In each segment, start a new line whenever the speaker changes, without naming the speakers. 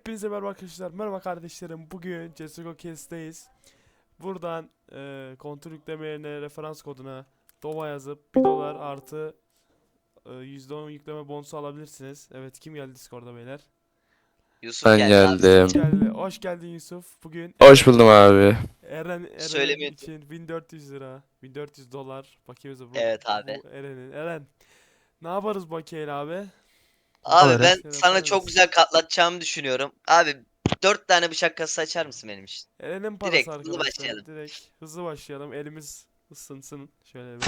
Hepinize merhaba arkadaşlar, merhaba kardeşlerim. Bugün CSGO Case'deyiz. Buradan kontrol yükleme yerine referans koduna DOVA yazıp 1 dolar artı %10 yükleme bonusu alabilirsiniz. Evet, kim geldi Discord'da beyler?
Yusuf
Ben
geldi abi.
Yusuf
geldim.
geldi. Hoş geldin Yusuf. Bugün
Hoş buldum abi.
Eren
Söylemiyordum.
için 1400 lira, 1400 dolar bakiyemiz bu.
Evet abi.
Bu Eren'in. Eren, ne yaparız bakiyeyle abi?
Abi ben
Alırım.
Şey
sana
yapar
çok
mısın?
güzel katlatacağımı düşünüyorum. Abi 4 tane bıçak kasası açar mısın benim için?
Eren'in parası
Direkt hızlı
arkadaşlar.
başlayalım.
Direkt hızlı başlayalım. Elimiz ısınsın. Şöyle bir.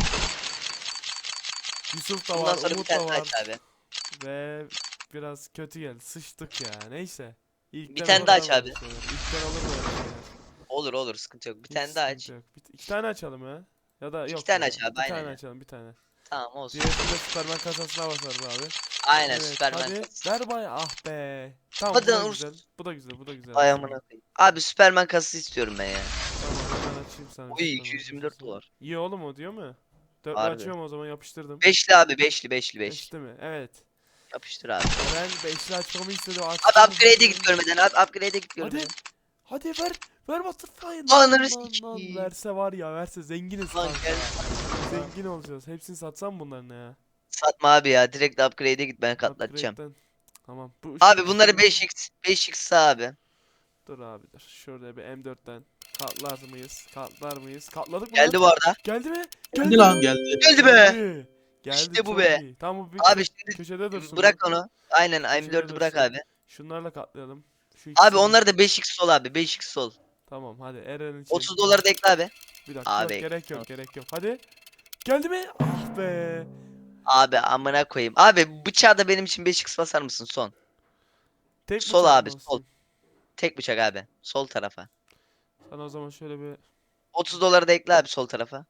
Yusuf da
Bundan
var,
sonra bir
Umut
tane
da
daha
var.
aç abi.
Ve biraz kötü geldi. Sıçtık ya. Neyse.
Bir
İlkten
tane
olur
daha
ya
aç
böyle
abi.
şeyler. İlkten olur böyle şeyler.
Olur olur, sıkıntı yok. Bir
Hiç
tane daha
sıkıntı
aç.
yok. İki tane açalım ya. Ya da
2
yok
tane
ya.
aç abi,
Bir
aynen
tane
ya.
açalım, bir tane.
Tamam olsun.
Diğerini de Superman kasasına basarız abi.
Aynen,
Evet,
Süpermen
hadi.
kasası.
Ver bay. Ah be. Tamam,
Hadi
bu da
lan
güzel.
uğursuz.
Bu da güzel, bu da güzel
Ay
aslında.
amına koyayım. Abi Süpermen kasası istiyorum ben ya.
Tamam, hemen açayım sana bir
Oy,
Superman
224
kasası.
dolar.
İyi oğlum o, diyor mu? Dörtlü
Harbi.
açıyorum o zaman, yapıştırdım.
Beşli abi, beşli 5.
Beşli mi? Evet.
Yapıştır abi.
Eren beşli açmamı istedi.
Abi
Açtım
upgrade'e
hızlı.
git görmeden abi, upgrade'e git
Hadi.
görmeden.
Hadi ver. Ver Butterfly.
Ananı
Lan.
sikeyim.
Verse var ya, verse zenginiz
Lan
kanka.
gel.
Zengin olacağız. Hepsini satsam bunların ya.
Satma abi ya, direkt upgrade'e git, ben katlatacağım.
Upgrade'den. Tamam. Bu
Abi
ışık
bunları
şeyini.
5x sağ abi.
Dur abi dur. Şurada bir M4'ten. Katlar mıyız? Katlar mıyız? Katladık mı lan?
Geldi bu arada.
Geldi mi?
Geldi
Geldi
lan
mi?
geldi.
Geldi be.
Geldi. Geldi,
İşte bu
çok
be.
iyi. Tamam, bu bir
Abi şimdi
köşede dursun bu.
bırak onu. Aynen,
Köşede
M4'ü bırak
dursun.
abi.
Şunlarla katlayalım. Şu
Abi
ikisini.
onları da 5x sol abi, 5x sol.
Tamam, hadi Eren için.
30 doları da ekle abi.
Bir dakika, yok
Abi
gerek yok,
ekle.
gerek yok. Hadi. Geldi mi? Ah be.
Abi amına koyayım. Abi bıçağı da benim için 5x basar mısın son?
Tek
Sol
bıçak mı
abi, sol.
basayım?
Tek bıçak abi. Sol tarafa.
Sana o zaman şöyle bir.
30 doları da ekle abi sol tarafa.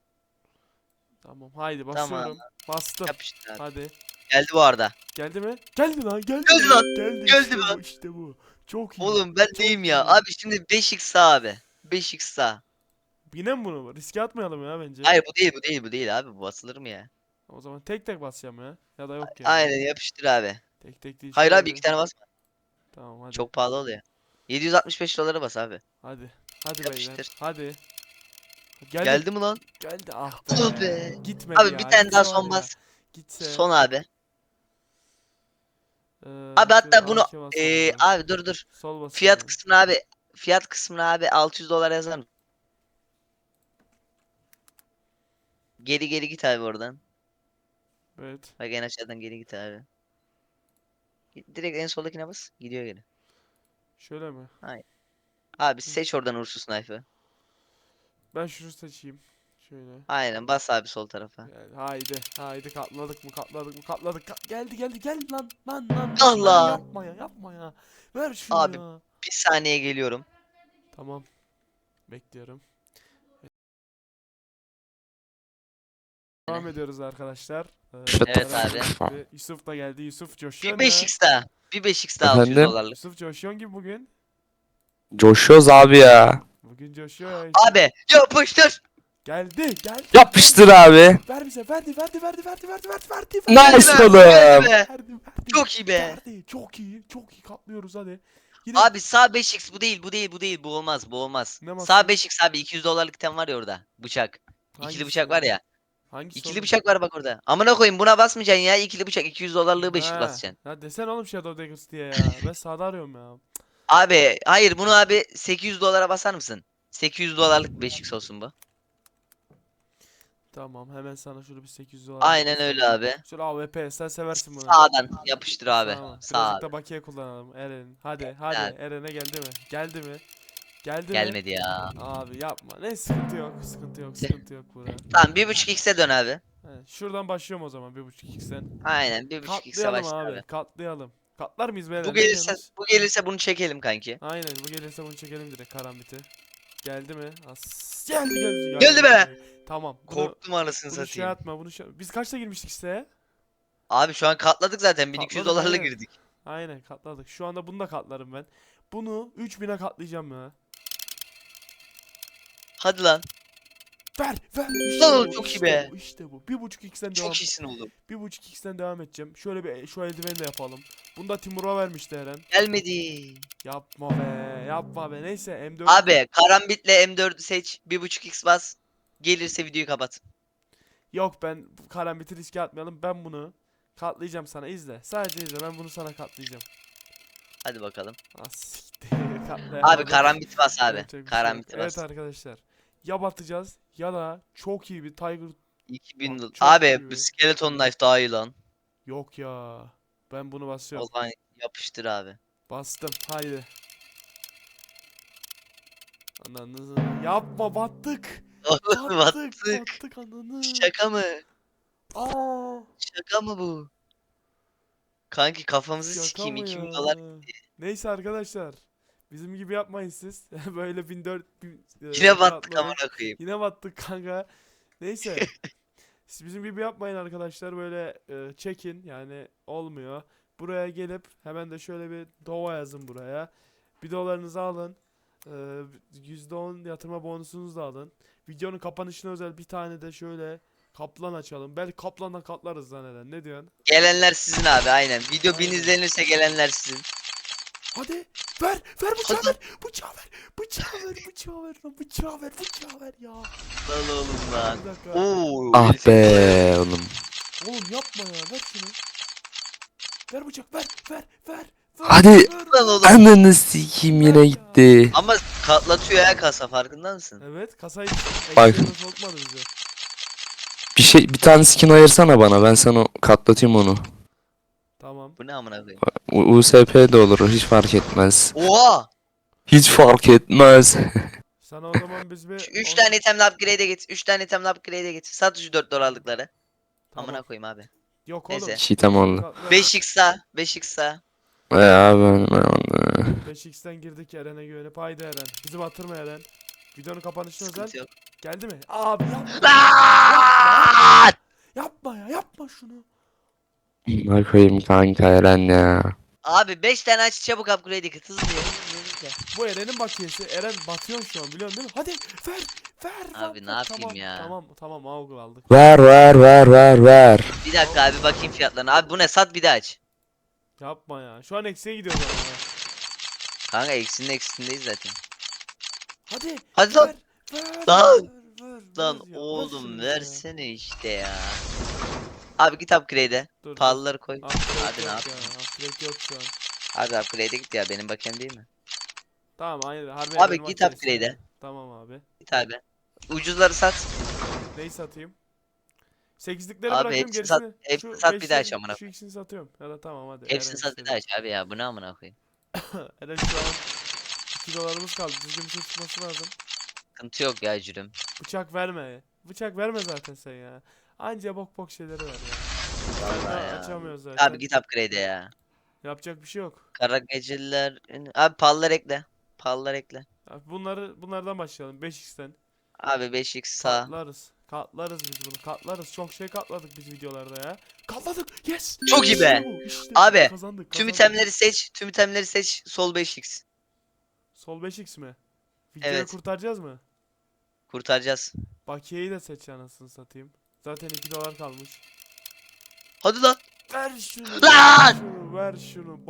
Tamam, haydi
Tamam.
basıyorum. Bastım.
Yapıştır abi.
Hadi.
Geldi bu arada.
Geldi mi? Geldi lan, geldi.
Geldi lan.
Geldi,
Geldi
işte bu,
lan.
işte bu. Çok iyi.
Oğlum ben
Çok
neyim ya?
iyi.
Abi şimdi 5x sağ abi. 5x sağ.
Yine mi bunu? Riske atmayalım ya bence.
Hayır, bu değil abi. Bu basılır mı ya?
O zaman tek tek basacağım ya. Ya da yok ya.
Aynen, yapıştır abi.
Tek tek değil,
Hayır
şöyle
abi,
bir.
2 tane basma.
Tamam, hadi.
Çok pahalı oluyor. 765 dolara bas abi.
Hadi. Hadi beyler.
Yapıştır.
hadi. Geldi.
Geldi mi lan?
Geldi, ah
Oh
be.
be.
Gitmedi
Abi bir
ya.
tane daha
Gitse var
son
ya.
bas.
Gitse.
Son abi. Abi
Şöyle
hatta bunu
AK basardım.
abi dur.
Sol
Fiyat
basıyorum.
kısmına abi. Fiyat kısmına abi 600 dolar yazar mısın? Geri git abi oradan.
Evet.
Bak en aşağıdan geri git abi. Direkt en soldakine bas. Gidiyor geri.
Şöyle mi?
Hayır. Abi seç oradan uğursuz knife'ı.
Ben şunu seçeyim. Şöyle.
Aynen, bas abi sol tarafa.
Gel, haydi. Haydi, katladık mı? Katladık mı? Katladık. Geldi lan.
Allah.
Yapma ya. Yapma ya. Ver şunu
Abi
ya.
bir saniye geliyorum.
Tamam. Bekliyorum. Devam ediyoruz arkadaşlar.
Evet
Eren
abi.
gibi. Yusuf da geldi. Yusuf coşuyor
Bir
ya.
5x daha. Bir 5x daha 600
Efendim?
dolarlık.
Yusuf coşuyor gibi bugün.
Coşuyoruz abi ya.
Bugün coşuyor ya.
Abi yapıştır.
Geldi.
Yapıştır abi.
Ver bize. Verdi.
Nice
Geldi
oğlum.
be.
Verdi.
Çok iyi be.
Verdi. Çok iyi. Katlıyoruz hadi. Yine
Abi sağ 5x, bu değil, bu olmaz.
ne
Sağ
basayım?
5x abi, 200 dolarlık item var ya orada. Bıçak. İkili
Hangisi
bıçak var
ya?
ya.
Hangisi
İkili
oğlum?
bıçak var bak orada. Amına koyayım, buna basmayacaksın ya. İkili bıçak 200 dolarlığı 5
Ha.
basacaksın.
Ya desene oğlum Shadow Daggers diye ya. Ben sağda arıyorum ya.
Abi hayır, bunu abi 800 dolara basar mısın? 800 dolarlık 5x olsun bu.
Tamam, hemen sana şöyle bir 800 dolarlık bir
Aynen öyle
satayım.
abi.
Şöyle AWP, sen seversin bunu.
Sağdan yapıştır abi.
Sağ mı?
Sağ
Birazcık
abi.
da bakiye kullanalım Eren. Hadi
Abi.
Eren'e geldi mi? Geldi mi?
Gelmedi ya.
Abi yapma. Ne, sıkıntı yok burada.
Tamam, 1.5x'e dön abi.
Evet, şuradan başlıyorum o zaman 1.5x'ten.
Aynen 1.5x'e
Katlayalım
başla
abi,
abi.
katlayalım. Katlar mıyız beyler?
Bu
Ne
gelirse
diyorsunuz?
bu gelirse bunu çekelim kanki.
Aynen, bu gelirse bunu çekelim direkt, karambiti. Geldi mi? Geldi.
Geldi be.
Tamam.
Korktum anasını
Bunu şey
satayım.
atma, Biz kaçta girmiştik siteye?
Abi şu an katladık zaten, 1200
Katladık,
dolarla
aynen.
girdik.
Aynen, katladık. Şu anda bunu da katlarım ben. Bunu 3000'e katlayacağım ya.
Hadi lan.
Ver.
Lan
bu,
çok iyi
işte
be.
bu, işte bu. 1.5x'ten devam.
Çok iyisin oğlum.
1.5x'ten devam edeceğim. Şöyle bir şu eldiveni de yapalım. Bunu da Timur'a vermişti Eren.
Gelmedi.
Yapma be. Neyse M4.
Abi karambitle M4'ü seç. 1.5x bas. Gelirse videoyu kapat.
Yok, ben bu karambiti riske atmayalım. Ben bunu katlayacağım sana, izle. Sadece izle, ben bunu sana katlayacağım.
Hadi bakalım.
Ah siktir.
Abi
Katlayamadım.
karambit bas abi.
Yapacak bir şey yok.
Karambiti
Evet
bas.
arkadaşlar. Ya batacağız ya da çok iyi bir Tiger.
2000
Bak, çok
Abi
iyi
bu
bir.
skeleton knife daha iyi lan.
Yok ya. Ben bunu
O
basıyorum.
zaman yapıştır abi.
Bastım. Haydi. Ananızı. Yapma, battık.
Oğlum battık.
Battık ananı.
Şaka mı?
Aa,
Şaka mı bu? Kanki kafamızı
şaka
sikeyim
mı
2000
ya?
dolar.
Neyse arkadaşlar. Bizim gibi yapmayın siz. Böyle 1400
Yine battık
katladık.
amına koyayım.
Yine battık kanka. Neyse. Siz bizim gibi yapmayın arkadaşlar. Böyle çekin. Yani olmuyor. Buraya gelip hemen de şöyle bir dova yazın buraya. Bir dolarınızı alın. E, %10 yatırma bonusunuzu da alın. Videonun kapanışına özel bir tane de şöyle kaplan açalım. Belki kaplandan katlarız lan Eren. Ne diyorsun?
Gelenler sizin abi aynen. Video 1000
Aynen.
izlenirse gelenler sizin.
Hadi ver bıçağı
Hadi
ver. Bıçağı ver. Bıçağı ver ya.
lan oğlum lan.
Bir dakika.
Oo,
Ah
58 dolar.
be oğlum.
Oğlum yapma ya, ver şunu. Ver bıçak, ver.
Hadi.
Lan oğlum.
Ananı sikeyim yine gitti.
Ama katlatıyor ya kasa farkında mısın?
Evet, kasayı
Bak.
eksiğine sokmadı bize.
Bir tane skin ayırsana bana, ben sana katlatayım onu.
Tamam.
Bu ne amına koyayım?
USP de olur, hiç fark etmez.
Oha!
Hiç fark etmez.
Sana o zaman biz bir
3 tane itemle upgrade'e git. 3 tane itemle upgrade'e git. Sat şu 4 dolarlıkları.
Tamam.
Amına koyayım abi.
Yok
Neyse.
oğlum.
Çiğdem oldu.
5x sağ. 5x sağ.
Abi
5x'ten girdik Eren'e güvenip. Haydi Eren. Bizi batırma Eren. Videonun kapanışına özel.
Sıkıntı yok.
Geldi mi? Abi yapma.
Lan!
Yapma şunu.
ne koyayım kanka Eren ya.
Abi 5 tane aç çabuk upgrade'e git. Hızlı ya. Hızlı.
Bu Eren'in bakiyesi. Eren batıyor şu an, biliyorsun değil mi? Hadi ver.
Abi ne yapayım ya?
Tamam Aug'u aldık.
Ver.
Bir dakika abi bakayım fiyatlarına. Abi bu ne? Sat bir daha aç.
Yapma ya. Şu an eksiye gidiyoruz ama ya.
Kanka eksinin eksisindeyiz zaten.
Hadi.
Hadi lan.
Ver.
Lan.
Ver
Lan
ya, ver
oğlum
şunu
versene işte ya. Abi git upgrade'e.
Dur.
Pahalıları koy.
Upgrade
Abi ne
yok
yapayım?
ya. Upgrade yok şu an.
Abi upgrade'e git ya benim bakayım değil mi?
Tamam, aynı. Harbi
Abi
Eren'in
git
bakiyesi
upgrade'e.
ya. Tamam abi.
Git abi. Ucuzları sat.
Neyi satayım? 8'likleri
Abi
bırakıyorum,
hepsini sat.
gerisini.
Hepsini
Şu
sat bir daha aç
beşleri,
amına
şu
koyayım.
ikisini satıyorum. Ya da tamam hadi.
Hepsini
Eren
sat bir
istedi.
daha aç abi ya. Bu ne amına koyayım?
Eren şu an 2 dolarımız kaldı. Düzgün bir şey çıkması lazım.
Sıkıntı yok ya cürüm.
Bıçak verme. Bıçak verme zaten sen ya. Anca bok şeyleri ver ya.
Vallahi
Daha
ya.
açamıyoruz zaten.
Abi git upgrade'e ya.
Yapacak bir şey yok.
Kara geceler. Abi pallar ekle. Pallar ekle.
Abi bunlardan başlayalım. 5x'ten.
Abi 5x sağ.
Katlarız biz bunu. Katlarız. Çok şey katladık biz videolarda ya. Katladık. Yes.
Çok iyi be.
İşte
Abi,
kazandık.
Tüm itemleri seç. Tüm itemleri seç. Sol 5x.
Sol 5x mi? Videoyu
Evet.
kurtaracağız mı?
Kurtaracağız.
Bakiyeyi de seç anasını satayım. Zaten 2 dolar kalmış.
Hadi lan.
Ver şunu.
Lan!
Ver şunu.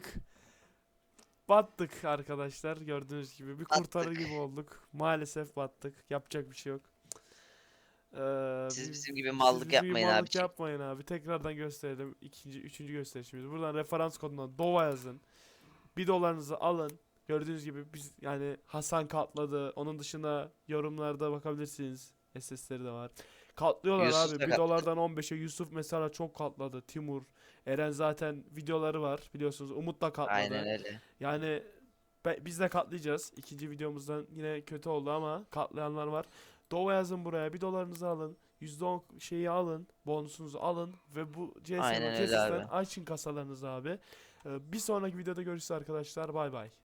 Battık arkadaşlar. Gördüğünüz gibi bir kurtarır gibi olduk. Maalesef battık. Yapacak bir şey yok.
Siz bizim gibi
siz
mallık
bizim gibi
yapmayın
mallık
abi.
yapmayın abi. Tekrardan gösterelim. Üçüncü gösterişimiz. Buradan referans koduna DOVA yazın. 1 dolarınızı alın. Gördüğünüz gibi biz yani Hasan katladı. Onun dışında yorumlarda bakabilirsiniz. SS'leri de var. Katlıyorlar
Yusuf
abi.
da
1
katladı.
dolardan 15'e Yusuf mesela çok katladı. Timur. Eren zaten videoları var biliyorsunuz. Umut da katladı.
Aynen öyle.
Yani biz de katlayacağız. İkinci videomuzdan yine kötü oldu ama katlayanlar var. Dova yazın buraya. 1 dolarınızı alın. %10 şeyi alın. Bonusunuzu alın. Ve bu
Aynen öyle
CS'den
abi.
açın kasalarınızı abi. Bir sonraki videoda görüşürüz arkadaşlar. Bay bay.